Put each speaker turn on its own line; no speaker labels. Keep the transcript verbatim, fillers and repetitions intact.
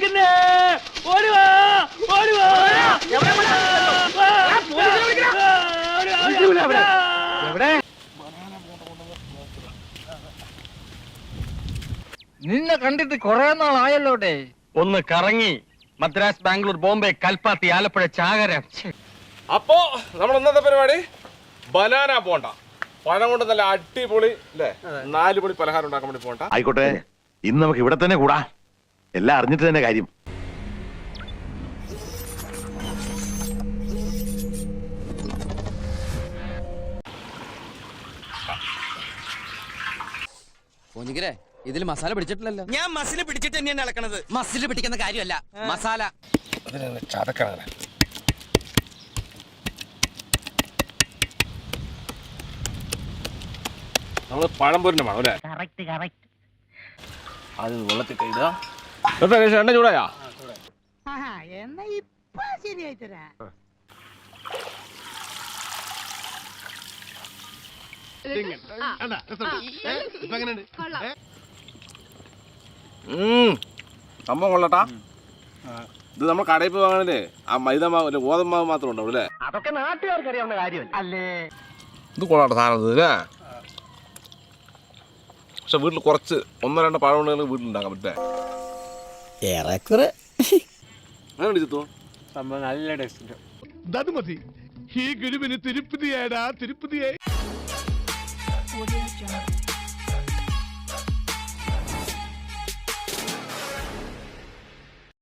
നടക്കുന്നേ? ഓടുവാ ഓടുവാ.
നിന്നെ കണ്ടിട്ട് കൊറേ നാളായല്ലോട്ടെ.
ഒന്ന് കറങ്ങി മദ്രാസ്, ബാംഗ്ലൂർ, ബോംബെ, കൽപ്പാത്തി, ആലപ്പുഴ, ചാകര.
അപ്പോ നമ്മൾ ഇന്നത്തെ പരിപാടി ബനാന പോണ്ട. പഴം കൊണ്ട് നല്ല അടിപൊളി അല്ലേ നാല് പൊടി പലഹാരം ഉണ്ടാക്കാൻ വേണ്ടി പോണ്ട.
ആയിക്കോട്ടെ, ഇന്ന് നമുക്ക് ഇവിടെ തന്നെ കൂടാ. എല്ലാം അറിഞ്ഞിട്ട് തന്നെ കാര്യം.
ഇതിൽ മസാല പിടിച്ചിട്ടില്ലല്ലോ.
ഞാൻ മസിൽ പിടിച്ചിട്ട് തന്നെയാണ് ഇളക്കണത്.
മസിൽ പിടിക്കുന്ന കാര്യമല്ല, മസാല
ചതക്കണം. നമ്മള് പഴംപൊരിന്റെ വേണം അല്ലേ? അത് വെള്ളത്തിട്ട് ഇടുക. എണ്ണ ചൂടായാ?
എന്നാ ഇപ്പൊ ശരിയായി തരാ.
സംഭവം കൊള്ളട്ടാ. ഇത് നമ്മൾ കടയിൽ പോയി വാങ്ങണല്ലേ ആ മൈദ മാവ് ഗോതമ്പ് മാവ് മാത്രം ഉണ്ടാവും അല്ലേ?
അതൊക്കെ നാട്ടുകാർക്ക് അറിയാവുന്ന കാര്യമല്ല അല്ലേ?
ഇത് കൊള്ളാട്ടെ സാധനം അല്ലേ? പക്ഷെ വീട്ടിൽ കുറച്ച് ഒന്നോ രണ്ടോ പഴം ഉണ്ടെങ്കിൽ വീട്ടിലുണ്ടാക്കാൻ പറ്റേ?
ഏറെക്കുറെ
അങ്ങനെ ചിത്തു
സംഭവം നല്ല ടേസ്റ്റ്.
അത് മതി. ഈ ഗുരുവിന് തിരുപ്പതിയാടാ, തിരുപ്പതിയായി.